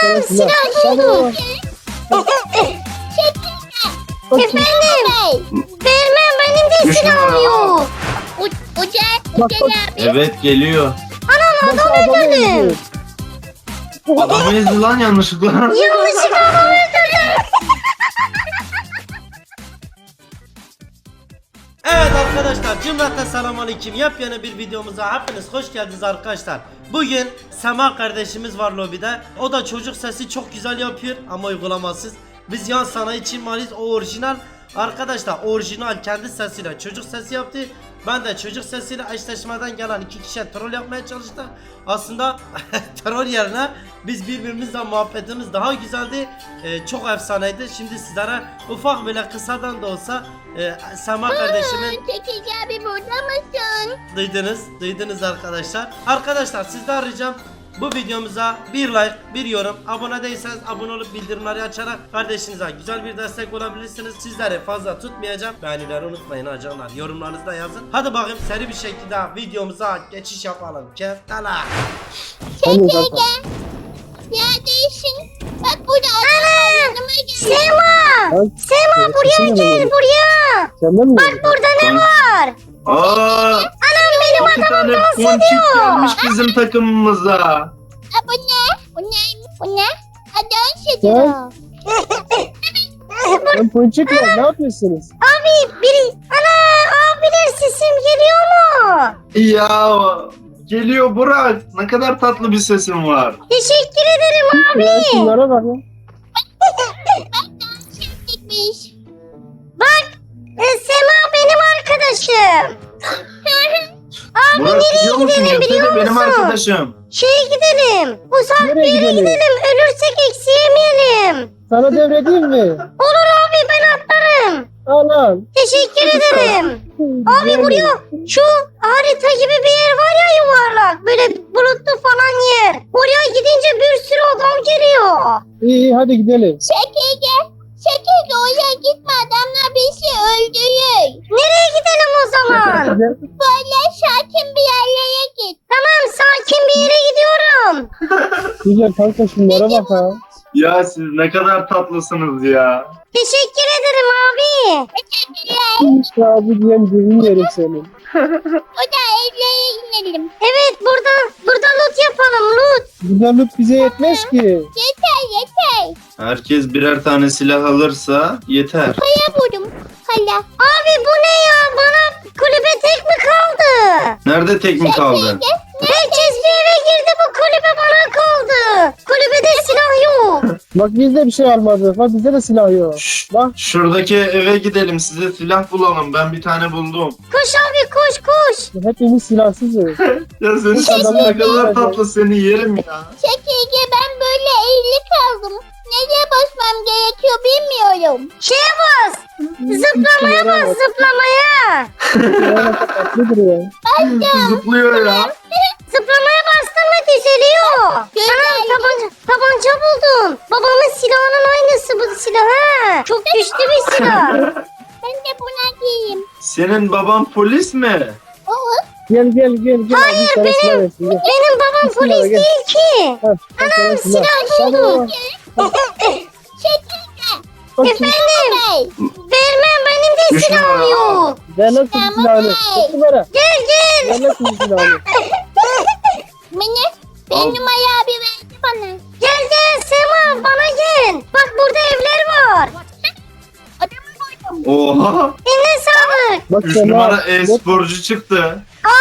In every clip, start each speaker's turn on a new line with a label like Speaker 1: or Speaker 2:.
Speaker 1: Ana silah buldum. Efendim. Vermem benim de silahım yok.
Speaker 2: Ucel abi.
Speaker 3: Evet geliyor.
Speaker 1: Anam adamı öldürdüm.
Speaker 3: Adamı ezdi lan yanlışlıkla.
Speaker 1: Yanlışlıkla adamı öldürdüm.
Speaker 4: Evet arkadaşlar, cümleten selamünaleyküm. Yepyeni bir videomuza hepiniz hoş geldiniz arkadaşlar. Bugün Sema kardeşimiz var lobide. O da çocuk sesi çok güzel yapıyor ama uygulamasız. Biz yan sanayi Çin maliyiz, o orijinal. Arkadaşlar orijinal kendi sesiyle çocuk sesi yaptı. Ben de çocuk sesiyle eşleşmeden gelen iki kişiye troll yapmaya çalıştım. Aslında troll yerine biz birbirimizle muhabbetimiz daha güzeldi. Çok efsaneydi. Şimdi sizlere ufak böyle kısadan da olsa Sema kardeşimin
Speaker 2: Çekici abi burada mısın?
Speaker 4: duydunuz arkadaşlar. Arkadaşlar sizden ricam bu videomuza bir like, bir yorum, abone değilseniz abone olup bildirimleri açarak kardeşinize güzel bir destek olabilirsiniz. Sizleri fazla tutmayacağım. Beğenileri unutmayın ha canlar. Yorumlarınızı da yazın. Hadi bakayım seri bir şekilde videomuza geçiş yapalım. Keftala.
Speaker 2: Çekici. Neredesin? Bak burada adam yanıma gel.
Speaker 1: Sema buraya gel buraya. Bak burada ne var?
Speaker 3: Aa,
Speaker 1: Anam benim
Speaker 3: iki tane
Speaker 1: adamım dans
Speaker 3: ponçik
Speaker 1: ediyor.
Speaker 3: gelmiş bizim takımımıza.
Speaker 2: Ha, bu ne? Bu ne? Bu ne? Ha, dans ediyor.
Speaker 5: Ben Ponçikler ne yapıyorsunuz?
Speaker 1: Abiler sesim geliyor mu?
Speaker 3: Ya geliyor Burak. Ne kadar tatlı bir sesin var.
Speaker 1: Teşekkür ederim abi.
Speaker 5: Ya şunlara bak ya.
Speaker 2: Gitmiş.
Speaker 1: Sema benim arkadaşım.
Speaker 3: Burak biliyor musun?
Speaker 1: gidelim,
Speaker 3: Yoksa
Speaker 1: biliyor
Speaker 3: da benim
Speaker 1: musun?
Speaker 3: arkadaşım.
Speaker 1: Şeye gidelim. Uzak bir
Speaker 5: Nereye
Speaker 1: yere
Speaker 5: gidelim?
Speaker 1: gidelim. Ölürsek eksi yemeyelim.
Speaker 5: Sana devredeyim mi?
Speaker 1: Olur abi ben atlarım.
Speaker 5: Anam.
Speaker 1: Teşekkür ederim. Abi buraya şu harita gibi bir yer var ya yuvarlak. Böyle bulutlu falan yer. Oraya gidince bir sürü adam geliyor.
Speaker 5: İyi hadi gidelim.
Speaker 2: Çekici. Çekici oraya gitme, adamlar bizi öldürür.
Speaker 1: Nereye gidelim o zaman?
Speaker 2: Böyle sakin bir yerlere git.
Speaker 1: Tamam sakin bir yere gidiyorum.
Speaker 5: Güzel kanka şunlara bak ha.
Speaker 3: Ya siz ne kadar tatlısınız ya.
Speaker 1: Teşekkür ederim abi.
Speaker 2: Teşekkürler.
Speaker 5: İşte abi diyen birini yerim senin.
Speaker 2: O da evlere inelim.
Speaker 1: Evet burada loot yapalım loot.
Speaker 5: Burada loot bize yetmez ki.
Speaker 2: Yeter.
Speaker 3: Herkes birer tane silah alırsa yeter.
Speaker 2: Kaya buldum. Kaya.
Speaker 1: Abi bu ne ya? Bana kulübe tek mi kaldı?
Speaker 3: Nerede tek mi kaldı?
Speaker 1: Herkes bir eve girdi bu kulübe bana kaldı. Kulübede silah yok.
Speaker 5: Bak biz de bir şey almadık. Bak bizde de silah yok. Bak.
Speaker 3: Şuradaki eve gidelim, size silah bulalım. Ben bir tane buldum.
Speaker 1: Koş abi koş.
Speaker 5: Hepimiz silahsızız.
Speaker 3: Ya senin sesin ne kadar tatlı, seni yerim ya.
Speaker 2: Çekici, ben böyle eğri kaldım. Nereye basmam gerekiyor bilmiyorum.
Speaker 1: Şeye bas. Zıplamaya bas zıplamaya.
Speaker 5: Tatlıdır ya.
Speaker 3: Zıplıyor ya.
Speaker 1: Zıplamaya bastın mı düzeliyor. Anam tabanca buldum. Babamın silahının aynısı bu silah ha. Çok güçlü bir silah.
Speaker 2: Ben de buna giyeyim.
Speaker 3: Senin baban polis mi?
Speaker 2: Olur.
Speaker 5: Gel. Hayır benim.
Speaker 1: Benim babam polis
Speaker 5: gel.
Speaker 1: değil ki.
Speaker 5: Anam
Speaker 1: silah buldum.
Speaker 2: Çekici.
Speaker 1: Efendim. Vermem benim de
Speaker 3: Üç
Speaker 1: silahım
Speaker 3: numara.
Speaker 1: yok.
Speaker 5: Ver lan şu silahını. Kaç numara?
Speaker 1: Gel.
Speaker 5: Ver lan şu silahını.
Speaker 2: Beni.
Speaker 3: Al.
Speaker 2: Ben numara abi verdi bana.
Speaker 1: Gel Sema bana gel. Bak burada evler var.
Speaker 2: Adamı buldum.
Speaker 3: Oha.
Speaker 1: Eline sağlık.
Speaker 5: Bak
Speaker 3: 3
Speaker 5: Sema,
Speaker 3: numara
Speaker 5: bak,
Speaker 3: e-sporcu çıktı.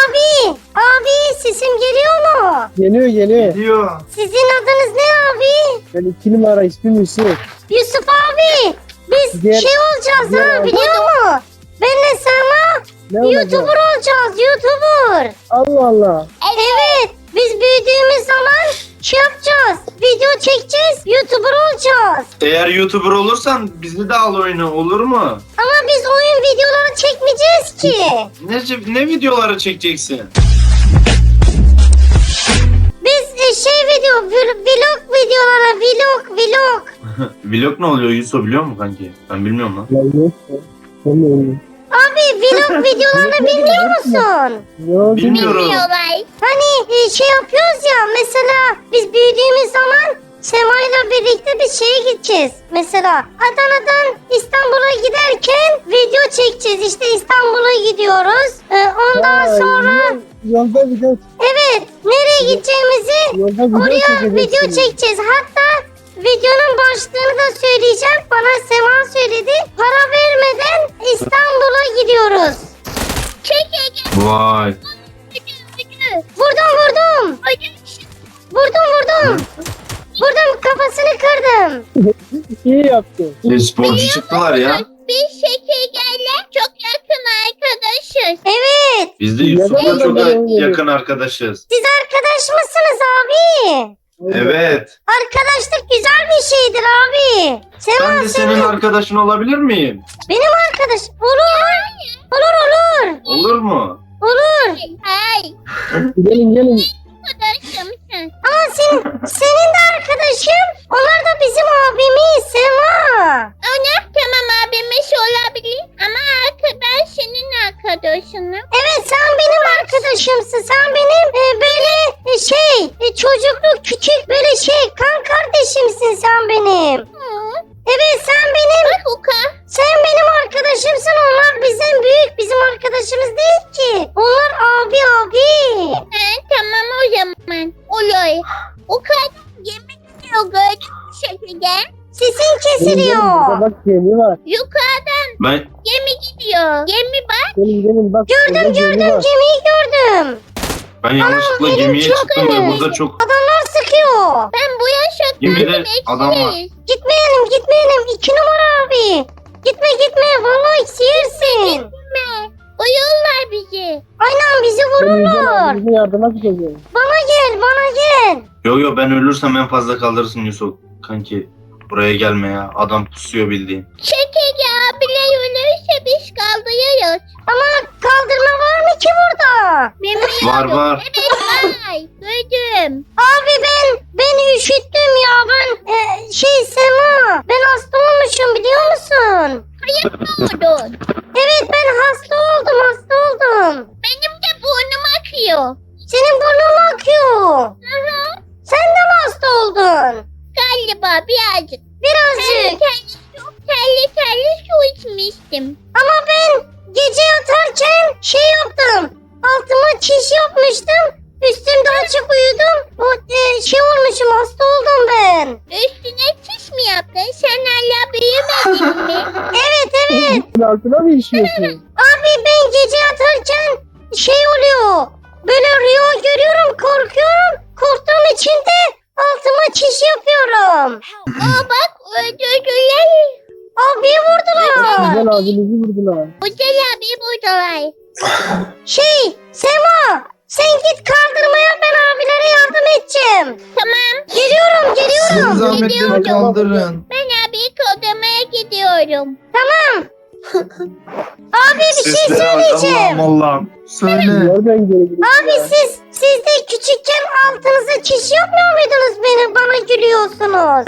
Speaker 1: Abi sesim geliyor mu?
Speaker 5: Geliyor.
Speaker 3: Diyor.
Speaker 1: Sizin adınız ne abi?
Speaker 5: Ben 2 numara ismim Yusuf.
Speaker 1: Yusuf abi. Biz
Speaker 5: Gel.
Speaker 1: şey olacağız
Speaker 5: Gel
Speaker 1: ha
Speaker 5: abi.
Speaker 1: biliyor musun? Benle Sema
Speaker 5: Ne olacak?
Speaker 1: YouTuber olacağız YouTuber.
Speaker 5: Allah Allah.
Speaker 1: Evet biz büyüdüğümüz zaman şey yapacağız. Video çekeceğiz YouTuber olacağız.
Speaker 3: Eğer YouTuber olursan bizi de al oyuna, olur mu?
Speaker 1: Ama biz oyun videoları çekmeyeceğiz ki.
Speaker 3: Ne videoları çekeceksin?
Speaker 1: Biz vlog videolara vlog.
Speaker 3: Vlog ne oluyor Yusuf, biliyor musun kanki? Ben bilmiyorum lan.
Speaker 5: Ya yok. Olmuyor.
Speaker 1: Abi vlog videolarını bilmiyor musun?
Speaker 5: Yok.
Speaker 3: Bilmiyorum.
Speaker 2: Bilmiyorlar.
Speaker 1: Hani şey yapıyoruz ya mesela biz büyüdüğümüz zaman Sema'yla birlikte bir şeye gideceğiz. Mesela Adana'dan İstanbul'a giderken video çekeceğiz. İşte İstanbul'a gidiyoruz. Ondan
Speaker 5: Vay,
Speaker 1: sonra
Speaker 5: Yolda video,
Speaker 1: evet nereye gideceğimizi
Speaker 5: yolda video
Speaker 1: oraya
Speaker 5: çekeceksiniz.
Speaker 1: video çekeceğiz. Hatta videonun başlığını da söyleyeceğim. Bana Sema söyledi. Para vermeden İstanbul'a gidiyoruz.
Speaker 3: Vay.
Speaker 1: Vurdum. Vurdum. Vurdum, kafasını kırdım.
Speaker 5: İyi yaptın.
Speaker 3: Sporcu çıktılar ya.
Speaker 2: Biz şekerlerle çok yakın arkadaşız.
Speaker 1: Evet.
Speaker 3: Biz de Yusuf'la
Speaker 5: Neden
Speaker 3: çok
Speaker 5: öyle?
Speaker 3: yakın arkadaşız.
Speaker 1: Siz arkadaş mısınız abi?
Speaker 3: Evet.
Speaker 1: Arkadaşlık güzel bir şeydir abi. Sema
Speaker 3: Ben de senin arkadaşın olabilir miyim?
Speaker 1: benim arkadaş. Olur.
Speaker 3: Olur mu?
Speaker 2: Hayır.
Speaker 5: Gelin.
Speaker 2: Arkadaşım sen.
Speaker 1: Ama senin de arkadaşım. Onlar da bizim abimiz Sema.
Speaker 2: Tamam abimiz olabilir ama arkadaş senin arkadaşınım.
Speaker 1: Evet sen benim arkadaşımsın. Sen benim çocukluk küçük böyle kan kardeşimsin sen benim. Evet sen benim.
Speaker 2: Bak Uka.
Speaker 1: Sen benim arkadaşımsın. Onlar bizden büyük. Bizim arkadaşımız değil ki. Onlar abi.
Speaker 2: Tamam o zaman. Olur. Uka yemek yiyor gördün mü şeker?
Speaker 1: Sesin kesiliyor.
Speaker 5: Burada bak gemi var.
Speaker 2: Yukarıdan
Speaker 3: Ben
Speaker 2: gemi gidiyor. Gemi bak.
Speaker 5: Gelin bak.
Speaker 1: Gördüm.
Speaker 5: Gemi var.
Speaker 1: Gemiyi gördüm.
Speaker 3: yanlışlıkla
Speaker 1: benim
Speaker 3: gemiye
Speaker 1: çok
Speaker 3: çıktım ve
Speaker 1: önemli.
Speaker 3: burada çok
Speaker 1: Adamlar sıkıyor.
Speaker 2: Ben bu yaşa
Speaker 3: Gemide
Speaker 2: geldim
Speaker 3: adam var.
Speaker 2: eksiz.
Speaker 1: Gitmeyelim. 2 numara abi. Gitme. Vallahi yersin.
Speaker 2: Uyuyorlar bizi.
Speaker 1: Aynen bizi vururlar.
Speaker 5: Bize yardıma gideceğiz.
Speaker 1: Bana gel.
Speaker 3: Yo ben ölürsem en fazla kalırsın Yusuf. Kanki buraya gelme ya. Adam pusuyor bildiğin.
Speaker 2: Şeker abiler ölürse biz kaldırıyoruz.
Speaker 1: Ama kaldırma var mı ki burada?
Speaker 2: Bilmiyorum.
Speaker 3: Var.
Speaker 2: Evet var. Duydum.
Speaker 1: Abi ben üşüttüm ya. Sema. Ben hasta olmuşum biliyor musun?
Speaker 2: Oldun.
Speaker 1: Evet ben hasta oldum.
Speaker 2: Benim de burnum akıyor.
Speaker 1: Senin burnun mu akıyor? Sen de mi hasta oldun?
Speaker 2: Galiba birazcık.
Speaker 1: Birazcık.
Speaker 2: Terli su içmiştim.
Speaker 1: Ama ben gece yatarken yaptım. Altıma çiş yapmıştım. Üstümde açık uyudum. Olmuşum hasta oldum ben.
Speaker 2: Üstüne çiş mi yaptın? Sen hala büyümedin mi?
Speaker 1: Evet.
Speaker 5: Altına mı işiyorsun?
Speaker 1: Abi ben gece yatarken oluyor. Böyle rüya görüyorum, korkuyorum. Korktuğum için de altıma çiş yapıyorum.
Speaker 2: Bak öldürdüler.
Speaker 1: Abiye vurdular.
Speaker 5: Güzel abinizi vurdular.
Speaker 2: Güzel abi buradalar.
Speaker 1: Sema sen git kaldırmaya ben abilere yardım edeceğim.
Speaker 2: Tamam.
Speaker 1: Geliyorum.
Speaker 2: zahmetleri
Speaker 3: kaldırın.
Speaker 2: Ben abi kodlamaya gidiyorum.
Speaker 1: Abi bir şey söyleyeceğim.
Speaker 3: Allah'ım. Söyle.
Speaker 5: Nereden geri gidiyorsun?
Speaker 1: Abi siz de küçükken altınıza çiş yapmıyor muydunuz bana gülüyorsunuz?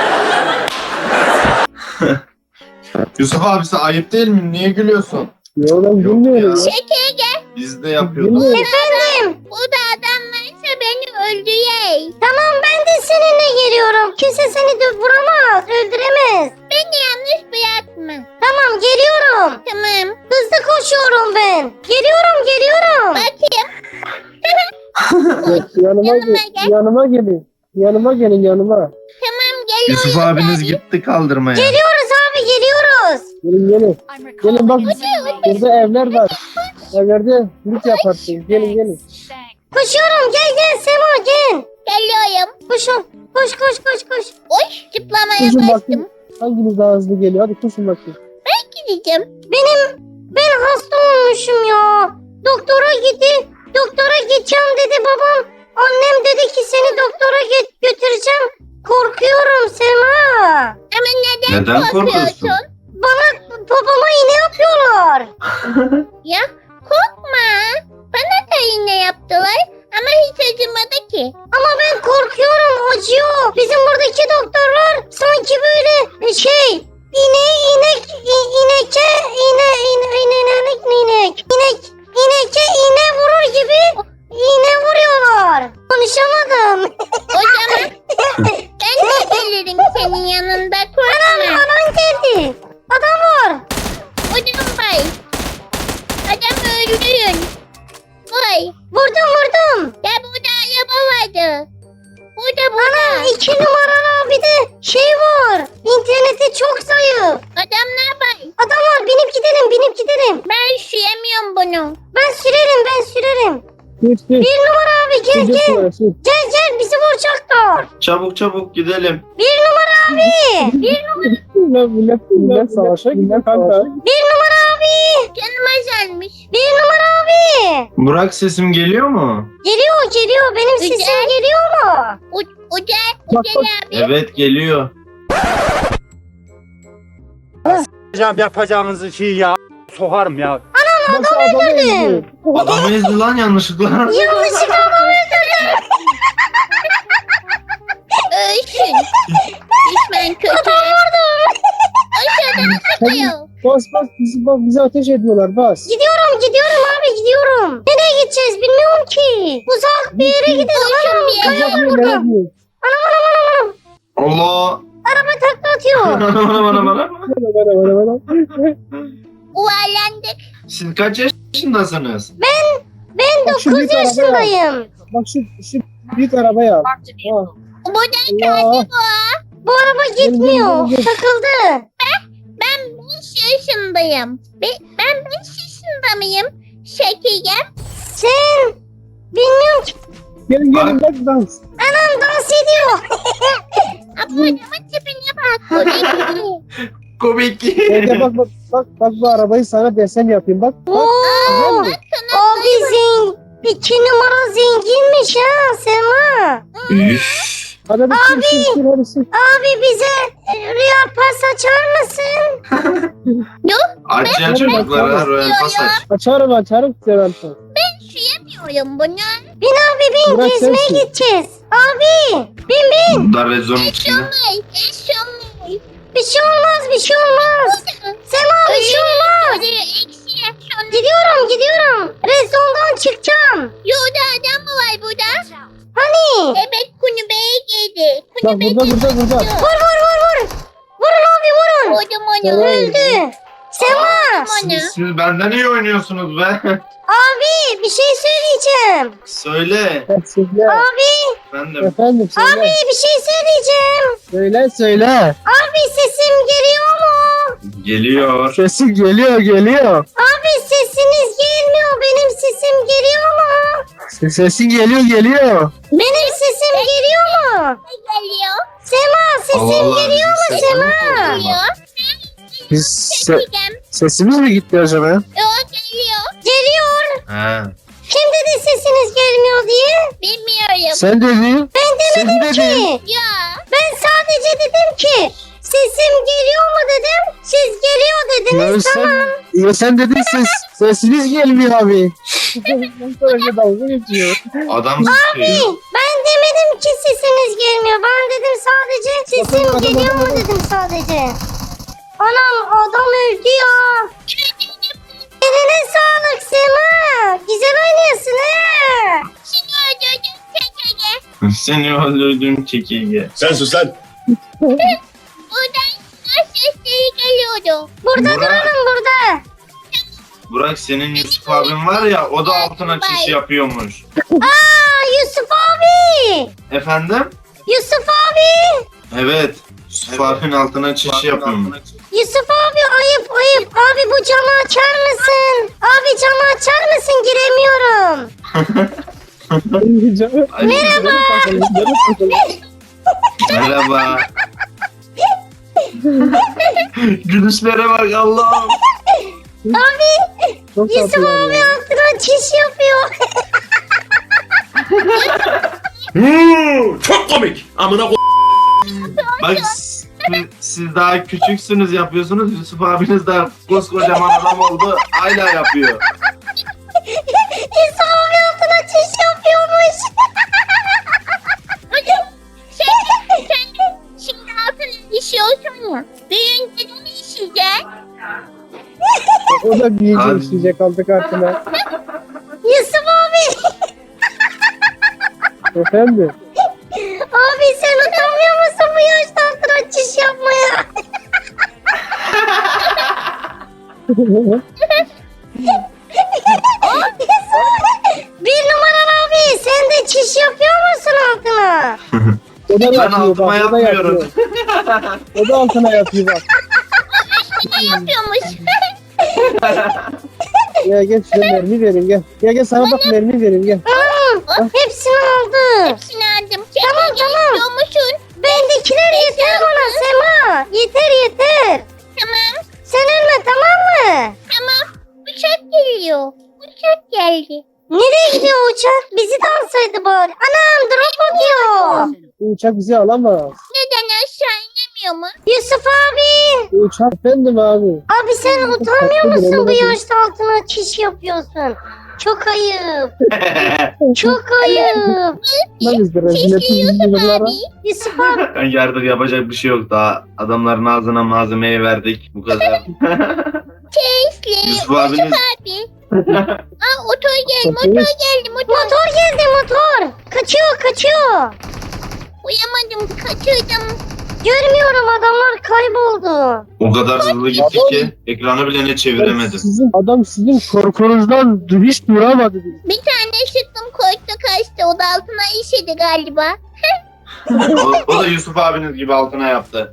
Speaker 3: Yusuf abisi ayıp değil mi? Niye gülüyorsun?
Speaker 5: Yo ben bilmiyorum.
Speaker 3: ya.
Speaker 2: Şeker gel.
Speaker 3: Biz de yapıyorduk.
Speaker 5: Bilmiyorum.
Speaker 1: Efendim
Speaker 2: Burada adam varsa beni öldürey.
Speaker 1: tamam ben de seninle geliyorum. Kimse seni de vuramaz, öldüremez.
Speaker 2: Beni yanlış bırakma.
Speaker 1: Tamam geliyorum.
Speaker 2: Tamam.
Speaker 1: Hızlı koşuyorum ben. Geliyorum.
Speaker 2: Bakayım.
Speaker 5: Yanıma gelin. Yanıma gelin.
Speaker 2: Tamam geliyorum.
Speaker 3: Yusuf abiniz gitti kaldırmaya.
Speaker 1: Geliyoruz abi geliyoruz.
Speaker 5: Gelin. Gelin bak burada evler var. Evlerde lüks yaparsın. Gelin.
Speaker 1: Koşuyorum gel Sema gel.
Speaker 2: Geliyorum.
Speaker 1: Koşun. Koş.
Speaker 2: Oy zıplamaya
Speaker 5: Koşun
Speaker 2: bastım.
Speaker 5: bakayım. Hanginiz daha hızlı geliyor? Hadi koşun bakayım.
Speaker 2: Gideceğim.
Speaker 1: Ben hasta olmuşum ya. Doktora gideceğim dedi babam. Annem dedi ki seni doktora götüreceğim. Korkuyorum Sema.
Speaker 2: Ama neden
Speaker 3: Neden
Speaker 2: korkuyorsun?
Speaker 1: Babama iğne yapıyorlar.
Speaker 2: Ya korkma. Bana da iğne yaptılar ama hiç acımadı ki.
Speaker 1: Ama ben korkuyorum acıyor. Bizim buradaki doktorlar sanki böyle ineke iğne vurur gibi iğne vuruyorlar. Konuşamadım.
Speaker 2: O zaman ben de gelirim senin
Speaker 1: 2 numaralı bir de şey var. İnterneti çok zayıf.
Speaker 2: Adam ne yapar?
Speaker 1: Adam var, binip gidelim.
Speaker 2: Ben süremiyorum bunu.
Speaker 1: Ben sürerim.
Speaker 5: Sür.
Speaker 1: 1 numara abi gel.
Speaker 5: Sür burası.
Speaker 1: Gel bizi vuracaklar.
Speaker 3: Çabuk gidelim.
Speaker 1: 1 numara abi.
Speaker 5: Millet savaşa gidiyor kanka.
Speaker 1: 1 numara abi.
Speaker 2: Canım azalmış.
Speaker 1: 1 numara abi.
Speaker 3: Burak sesim geliyor mu?
Speaker 1: Geliyor. Benim
Speaker 2: Güzel.
Speaker 1: sesim geliyor mu?
Speaker 5: Bak,
Speaker 2: Ucel abi.
Speaker 3: Evet geliyor.
Speaker 6: Yapacağınız şeyi ya sokarım ya.
Speaker 5: Nasıl adamı ezdi?
Speaker 3: Adamı ezdi lan yanlışlıkla.
Speaker 1: Yanlışlıkla adam öldürdüm.
Speaker 2: Ölsün. Düşman kötü. Aşağıdan sıkıyor.
Speaker 5: Bas bizi ateş ediyorlar bas.
Speaker 1: Gidiyorum abi. Nereye gideceğiz bilmiyorum ki. Uzak bir yere gidelim.
Speaker 2: Koşun bir yere.
Speaker 5: Sıcak bir yere gidiyor.
Speaker 3: Allah.
Speaker 1: Araba takla atıyor.
Speaker 3: Bana.
Speaker 2: Uvarlandık.
Speaker 3: Siz kaç yaşındasınız?
Speaker 1: Ben
Speaker 5: Bak şu
Speaker 1: 9
Speaker 5: büyük arabaya al.
Speaker 1: yaşındayım.
Speaker 5: Bak şu büyük arabayı al. Ha.
Speaker 2: Buradan
Speaker 5: Allah.
Speaker 1: Bu araba gitmiyor.
Speaker 5: Gel.
Speaker 1: Takıldı.
Speaker 2: ben 5 yaşındayım. Ben 5 yaşında mıyım? Şekerim.
Speaker 1: Sen bilmiyorum ki.
Speaker 5: Gelin bak dans.
Speaker 1: Anam dans ediyor.
Speaker 2: Adamın tipine bak. Bu ne ki?
Speaker 3: Komik.
Speaker 5: Evde bak bu arabayı sana desen yapayım bak. Bak
Speaker 1: Oo.
Speaker 5: güzel mi?
Speaker 1: Abi 2 numara zenginmiş ha Sema.
Speaker 3: Üf.
Speaker 5: Hadi bir sür hadi sür.
Speaker 1: Abi bize Real Pass açar mısın?
Speaker 3: Açın çocuklara Royal Pass aç.
Speaker 5: Açarım seversen.
Speaker 2: Üşüyemiyorum bunu.
Speaker 1: Bin abi bin
Speaker 5: Bırak
Speaker 1: gezmeye
Speaker 5: sensin.
Speaker 1: gideceğiz. Abi bin.
Speaker 3: Dar rezonun içinde.
Speaker 2: Eşyamayı.
Speaker 1: Bir şey olmaz. Sema bir şey olmaz. Gidiyorum. Rezondan çıkacağım.
Speaker 2: Yolda adam mı var burada?
Speaker 1: Hani?
Speaker 2: Evet kulübeye girdi.
Speaker 5: Bak
Speaker 2: Kulübeye
Speaker 5: burada.
Speaker 1: Vur. Vurun abi vurun.
Speaker 2: Vurdum onu.
Speaker 5: Tamam.
Speaker 1: Öldü. Sema.
Speaker 3: Siz benden iyi oynuyorsunuz be.
Speaker 1: Abi bir şey söyleyeceğim.
Speaker 3: Söyle.
Speaker 5: Söyle.
Speaker 1: Abi
Speaker 3: Efendim.
Speaker 5: Söyle.
Speaker 1: abi bir şey söyleyeceğim.
Speaker 5: Söyle.
Speaker 1: Abi sesim geliyor mu?
Speaker 3: Geliyor.
Speaker 5: Sesin geliyor.
Speaker 1: Abi sesiniz gelmiyor. Benim sesim geliyor mu?
Speaker 5: Sesin geliyor.
Speaker 1: Benim sesim geliyor mu?
Speaker 2: geliyor.
Speaker 1: Sema sesim geliyor mu Sema?
Speaker 2: Geliyor.
Speaker 5: Biz
Speaker 2: Çekeceğim.
Speaker 5: sesimiz mi gitti acaba?
Speaker 2: O geliyor.
Speaker 1: Geliyor.
Speaker 3: He.
Speaker 1: Kim dedi sesiniz gelmiyor diye?
Speaker 2: Bilmiyorum.
Speaker 5: Sen dedin.
Speaker 1: Ben demedim ki.
Speaker 2: Ya.
Speaker 1: Ben sadece dedim ki sesim geliyor mu dedim. Siz geliyor dediniz tamam.
Speaker 5: Sen dedin sesiniz gelmiyor abi. Sonra dalga geçiyor.
Speaker 3: Adam sıkıyor.
Speaker 1: Ben demedim ki sesiniz gelmiyor. Ben dedim sadece sesim
Speaker 5: Adam,
Speaker 1: geliyor mu
Speaker 5: adam.
Speaker 1: dedim sadece. Anam adam öldü ya. Eline sağlık Sema. Güzel oynuyorsun ha.
Speaker 2: Şimdi öldürdüm çekeceğim.
Speaker 3: Seni öldürdüm çekirge.
Speaker 7: Sen sus lan.
Speaker 2: Buradan sesleri geliyordu.
Speaker 1: Burada
Speaker 3: Burak.
Speaker 1: duralım burada.
Speaker 3: Burak senin Yusuf abin var ya o da altına çiş yapıyormuş.
Speaker 1: Aa Yusuf abi.
Speaker 3: Efendim?
Speaker 1: Yusuf abi.
Speaker 3: Evet. Yusuf abinin altına çiş yapıyormuş.
Speaker 1: Yusuf abi ayıp. Abi bu camı açar mısın? Abi camı açar mısın? Giremiyorum.
Speaker 3: Merhaba. Gülüşlere bak Allah'ım.
Speaker 1: Abi
Speaker 5: Çok
Speaker 1: Yusuf
Speaker 5: tatlılar
Speaker 1: abi
Speaker 5: ya.
Speaker 1: altına çiş yapıyor.
Speaker 7: Çok komik. Amına ko...
Speaker 3: Bak siz daha küçüksünüz yapıyorsunuz. Yusuf abiniz daha koskocaman adam oldu. Hala yapıyor.
Speaker 1: Yusuf abi altına çiş yapıyormuş.
Speaker 2: Sen şimdi altına işiyorsun ya. Büyüyünce de mi işeyeceksin?
Speaker 5: O da büyüyecek
Speaker 3: Abi.
Speaker 5: işleyecek aldık artına.
Speaker 1: Yusuf abi.
Speaker 5: Efendim?
Speaker 1: Abi sen utanmıyor musun bu yaşta altına çiş yapmaya? Bir numaralı abi sen de çiş yapıyor musun altına?
Speaker 5: O da
Speaker 3: Ben
Speaker 5: yapıyor
Speaker 3: altıma
Speaker 5: bak. O da
Speaker 3: yapmıyorum.
Speaker 5: yapıyor. O da altına yapıyor bak.
Speaker 2: Ne yapıyormuş?
Speaker 5: Gel şuraya mermi vereyim gel. Gel sana bak mermi vereyim gel.
Speaker 1: Tamam. Hepsini aldım.
Speaker 2: Hepsini aldım. Tamam istiyormuşsun.
Speaker 1: Bendekiler yeter bana Sema. Yeter.
Speaker 2: Tamam.
Speaker 1: Sen ölme tamam mı?
Speaker 2: Tamam. Uçak geliyor. Uçak geldi.
Speaker 1: Nereye gidiyor uçak? Bizi de alsaydı bari. Anam drop atıyor.
Speaker 5: Bu uçak bizi alamaz.
Speaker 2: Neden aşağı inemiyor mu?
Speaker 1: Yusuf abi.
Speaker 5: Bu uçak efendim abi.
Speaker 1: Abi sen utanmıyor musun bu yaşta altına çiş yapıyorsun? Çok ayıp. Çok ayıp.
Speaker 5: Lan biz de rezil
Speaker 2: Keşke
Speaker 5: ettik
Speaker 2: Yusuf
Speaker 5: yıllara.
Speaker 2: abi.
Speaker 1: Yusuf abi.
Speaker 3: Ben yardır yapacak bir şey yok daha. Adamların ağzına malzemeyi verdik. Bu kadar.
Speaker 2: Keşke
Speaker 3: Yusuf
Speaker 2: Yusuf
Speaker 3: abiniz
Speaker 2: abi. Aa motor geldi. Motor geldi.
Speaker 1: Motor geldi motor. Kaçıyor.
Speaker 2: Uyamadım. Kaçırdım.
Speaker 1: Görmüyorum adamlar kayboldu.
Speaker 3: o kadar hızlı gitti ki ekranı bile ne çeviremedim.
Speaker 5: Sizin korkunuzdan hiç duramadı.
Speaker 2: Bir tane sıktım korktu kaçtı. O da altına işedi galiba.
Speaker 3: O da Yusuf abiniz gibi altına yaptı.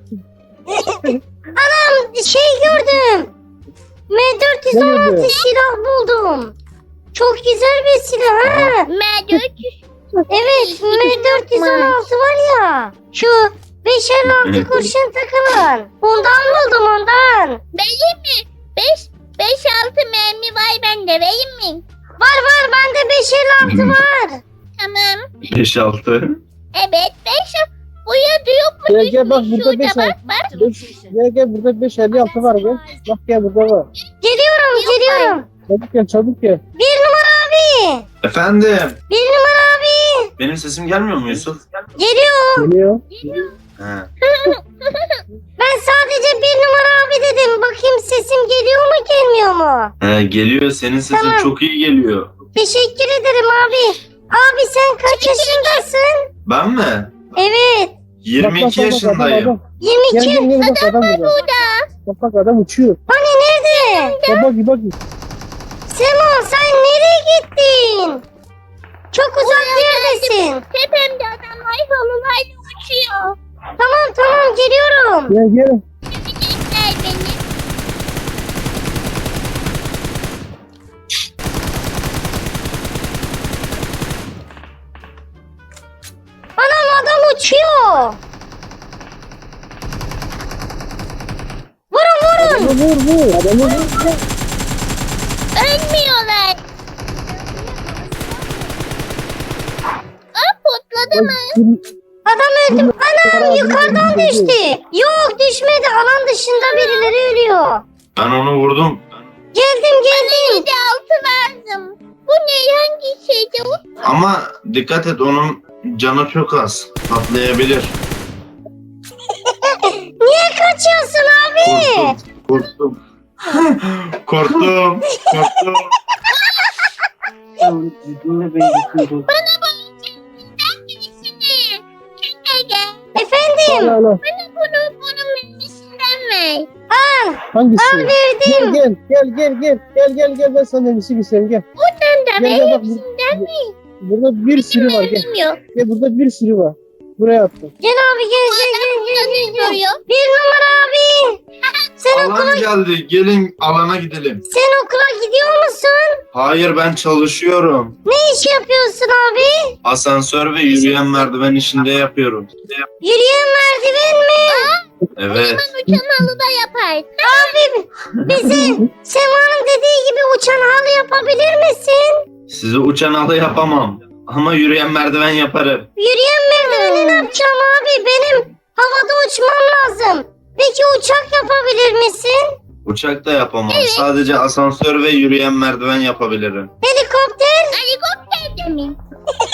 Speaker 1: Şey gördüm. M416
Speaker 5: Nerede?
Speaker 1: silah buldum. Çok güzel bir silah ha.
Speaker 2: M400.
Speaker 1: Evet M416 var ya. Şu 556
Speaker 3: Evet.
Speaker 1: kurşun takılan. Ondan buldum ondan.
Speaker 2: Vereyim mi? 5-6 mermi var bende. Vereyim mi?
Speaker 1: Var bende 556 var.
Speaker 2: Tamam.
Speaker 3: 5-6.
Speaker 2: Evet 5. Buraya diyor mu?
Speaker 5: Gel bak burada
Speaker 2: Şurada
Speaker 5: 5
Speaker 2: bak bak.
Speaker 5: Gel burada 556 var gel. Bak gel burada var.
Speaker 1: Geliyorum.
Speaker 5: Çabuk gel.
Speaker 1: Bir numara abi.
Speaker 3: Efendim.
Speaker 1: Bir numara abi.
Speaker 3: Benim sesim gelmiyor mu Yusuf?
Speaker 1: Geliyor.
Speaker 5: Geliyor.
Speaker 3: He.
Speaker 1: Ben sadece bir numara abi dedim. Bakayım sesim geliyor mu gelmiyor mu?
Speaker 3: He, geliyor. Senin sesin
Speaker 1: Tamam.
Speaker 3: çok iyi geliyor.
Speaker 1: Teşekkür ederim abi. Abi sen kaç yaşındasın?
Speaker 3: Ben mi?
Speaker 1: Evet.
Speaker 3: 22 yaşındayım.
Speaker 5: Adam.
Speaker 1: 22.
Speaker 5: Gel bak adam burada. Bak adam uçuyor.
Speaker 1: Hani nerede?
Speaker 5: Bak.
Speaker 1: Sema sen nereye gittin? Çok uzak yerdesin.
Speaker 2: Tepemde adamlar halılarla uçuyor.
Speaker 1: Tamam geliyorum.
Speaker 5: Gel.
Speaker 2: Görecekler beni.
Speaker 1: Anam adam uçuyor. Vurun.
Speaker 5: Vur. Adamı vur.
Speaker 2: Ölmüyorlar. Aa patladı mı?
Speaker 1: Adam öldü. Anam yukarıdan düştü. Yok düşmedi. Alan dışında birileri ölüyor.
Speaker 3: Ben onu vurdum.
Speaker 1: Geldim.
Speaker 2: Bir de altı lazım. Bu ne hangi şeydi o?
Speaker 3: Ama dikkat et onun canı çok az. Patlayabilir.
Speaker 1: Niye kaçıyorsun abi?
Speaker 3: Korktum. Korktum.
Speaker 2: Bana bakın. Sen birisini. Çünkü gel.
Speaker 1: Efendim.
Speaker 5: Al.
Speaker 2: Bana bunun memesinden ver.
Speaker 5: Hangisi?
Speaker 1: Al verdim.
Speaker 5: Gel ben sana memisi göstereyim gel.
Speaker 2: Buradan da
Speaker 5: Gel,
Speaker 2: ver
Speaker 5: bak,
Speaker 2: hepsinden mi?
Speaker 5: Burada bir sürü var gel.
Speaker 2: Mermim yok.
Speaker 5: Gel burada bir sürü var. Buraya attım.
Speaker 1: Gel abi gel.
Speaker 2: Burada duruyor.
Speaker 1: Bir numara abi. Sen
Speaker 3: Alan geldi. Gelin alana gidelim.
Speaker 1: Sen okula gidiyor musun?
Speaker 3: Hayır ben çalışıyorum.
Speaker 1: Ne iş yapıyorsun abi?
Speaker 3: Asansör ve yürüyen merdiven işinde yapıyorum.
Speaker 1: Yürüyen merdiven mi?
Speaker 3: Evet.
Speaker 2: Uçan halıda yapar.
Speaker 1: Abi bize Sema'nın dediği gibi uçan halı yapabilir misin?
Speaker 3: Sizi uçan halı yapamam. Ama yürüyen merdiven yaparım.
Speaker 1: Yürüyen merdiveni ne yapacağım abi? Benim havada uçmam lazım. Peki uçak yapabilir misin?
Speaker 3: Uçak da yapamam. Sadece asansör ve yürüyen merdiven yapabilirim.
Speaker 1: Helikopter?
Speaker 2: Helikopter de mi?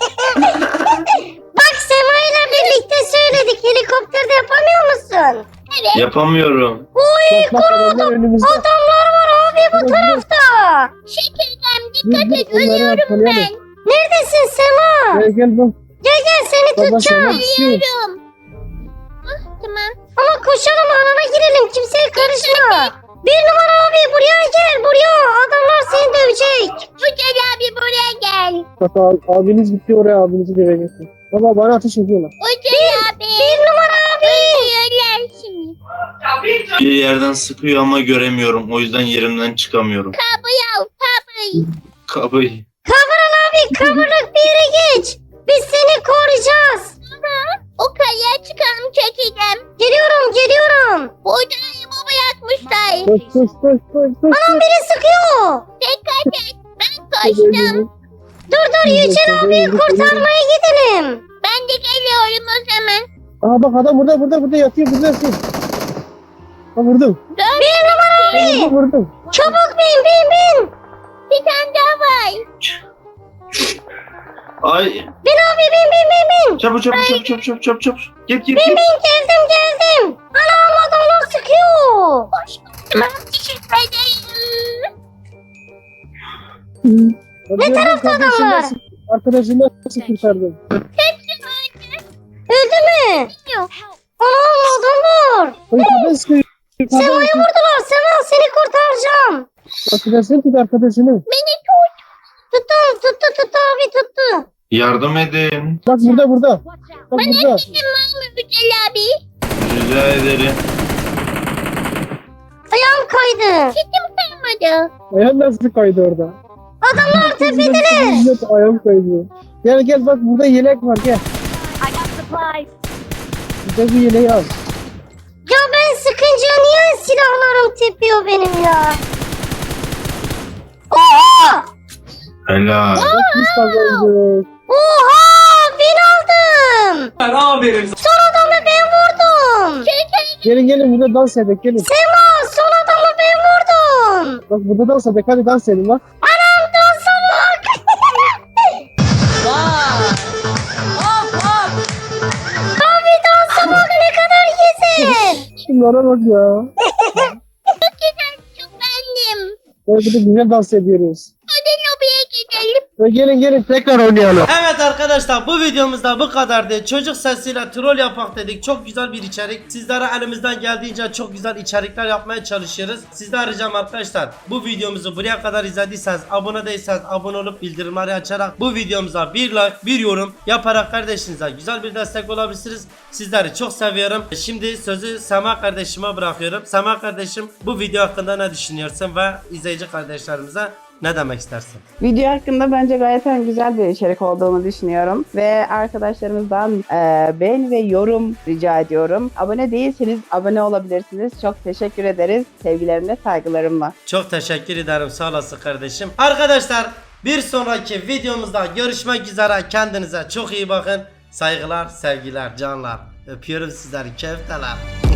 Speaker 1: Bak Sema ile birlikte söyledik. Helikopter de yapamıyor musun?
Speaker 2: Evet.
Speaker 3: Yapamıyorum.
Speaker 5: Bak adamlar önümüzde.
Speaker 1: Adamlar var abi bu tarafta.
Speaker 2: Şekerden dikkat et.
Speaker 5: Onları
Speaker 2: Ölüyorum
Speaker 5: arkalayalım.
Speaker 2: ben.
Speaker 1: Neredesin Sema?
Speaker 5: Gel bak.
Speaker 1: Gel seni
Speaker 5: Baba
Speaker 1: tutacağım.
Speaker 5: sana düşüyor.
Speaker 2: Ölüyorum. Ah, tamam.
Speaker 1: Ama koşalım alana girelim. Kimseye karışma. Bir numara abi buraya gel. Buraya. Adamlar seni dövecek.
Speaker 2: Uçan abi buraya gel.
Speaker 5: Bak abiniz gitti oraya abinizi döveceksin. Baba bana ateş ediyorlar.
Speaker 2: Uçan abi.
Speaker 1: Bir numara abi.
Speaker 2: Öldürüyorlar şimdi.
Speaker 3: Bir yerden sıkıyor ama göremiyorum. O yüzden yerimden çıkamıyorum.
Speaker 2: Kapıyı al kapıyı.
Speaker 3: Kapıyı.
Speaker 1: Kavuran abi kavurluk bir yere geç. Biz seni koruyacağız.
Speaker 2: O kayaya çıkalım çekeceğim.
Speaker 1: Geliyorum.
Speaker 2: Burada ayımı bırakmışlar.
Speaker 5: Koş.
Speaker 1: Anam biri sıkıyor.
Speaker 2: Dikkat et. Ben kaçtım.
Speaker 1: Dur Yücel abiyi kurtarmaya gidelim.
Speaker 2: Ben de geliyorum o zaman.
Speaker 5: Aa bak adam burada yatıyor burada yatıyor. Ha vurdum.
Speaker 1: Bir numara abi.
Speaker 5: Vurdum.
Speaker 1: Çabuk bin.
Speaker 2: Bir tane daha var.
Speaker 3: Ay.
Speaker 1: Bin abi bin.
Speaker 3: Çabuk. Git.
Speaker 1: Geldim. Anam adamlar sıkıyor.
Speaker 2: Tamam teşekkür ederim.
Speaker 5: Ne
Speaker 1: tarafta adamlar?
Speaker 5: Arkadaşını nasıl kurtardın?
Speaker 2: Hepsi öldü.
Speaker 1: Öldü mü?
Speaker 2: Yok.
Speaker 1: Anam adamlar.
Speaker 5: Yukarıdan sıkıyor.
Speaker 1: Sema'yı vurdular. Sema seni kurtaracağım.
Speaker 5: Arkadaşını tut arkadaşını.
Speaker 2: Beni tut.
Speaker 1: Tuttu abi tuttu.
Speaker 3: Yardım edin.
Speaker 5: Bak burada. Bak burada.
Speaker 2: Dedim var mı Yücel abi?
Speaker 3: Rica ederim.
Speaker 1: Ayağım kaydı.
Speaker 2: Kedim kalmadı.
Speaker 5: Ayağın nasıl kaydı orada?
Speaker 1: Adamlar tepedeler.
Speaker 5: Ayağım kaydı. Gel bak burada yelek var gel. Burada bir yeleği al.
Speaker 1: Ya ben sıkınca niye silahlarım tepiyor benim ya? Oha!
Speaker 3: Helal.
Speaker 5: Bak biz kazandık.
Speaker 1: Oha! Bin aldım. Son adamı ben vurdum.
Speaker 5: Gelin burada dans edek gelin.
Speaker 1: Sema son adamı ben vurdum.
Speaker 5: Bak burada dans edek hadi dans edin bak.
Speaker 1: Anam dansa bak. Abi dansa bak ne kadar güzel.
Speaker 5: Şunlara bak ya.
Speaker 2: Çok beğendim.
Speaker 5: Böyle burada güzel dans ediyoruz.
Speaker 2: Hadi lobiye gidelim.
Speaker 5: Ve gelin tekrar oynayalım.
Speaker 4: Evet arkadaşlar bu videomuzda bu kadardı. Çocuk sesiyle troll yapak dedik. Çok güzel bir içerik. Sizlere elimizden geldiğince çok güzel içerikler yapmaya çalışıyoruz. Sizden ricam arkadaşlar bu videomuzu buraya kadar izlediyseniz, abone değilseniz abone olup bildirimleri açarak bu videomuza bir like, bir yorum yaparak kardeşinize güzel bir destek olabilirsiniz. Sizleri çok seviyorum. Şimdi sözü Sema kardeşime bırakıyorum. Sema kardeşim bu video hakkında ne düşünüyorsun ve izleyici kardeşlerimize ne demek istersin?
Speaker 7: Video hakkında bence gayet güzel bir içerik olduğunu düşünüyorum. Ve arkadaşlarımızdan beğeni ve yorum rica ediyorum. Abone değilseniz abone olabilirsiniz. Çok teşekkür ederiz. Sevgilerimle, saygılarımla.
Speaker 4: Çok teşekkür ederim, sağ olasın kardeşim. Arkadaşlar bir sonraki videomuzda görüşmek üzere. Kendinize çok iyi bakın. Saygılar, sevgiler, canlar. Öpüyorum sizleri, kefteler.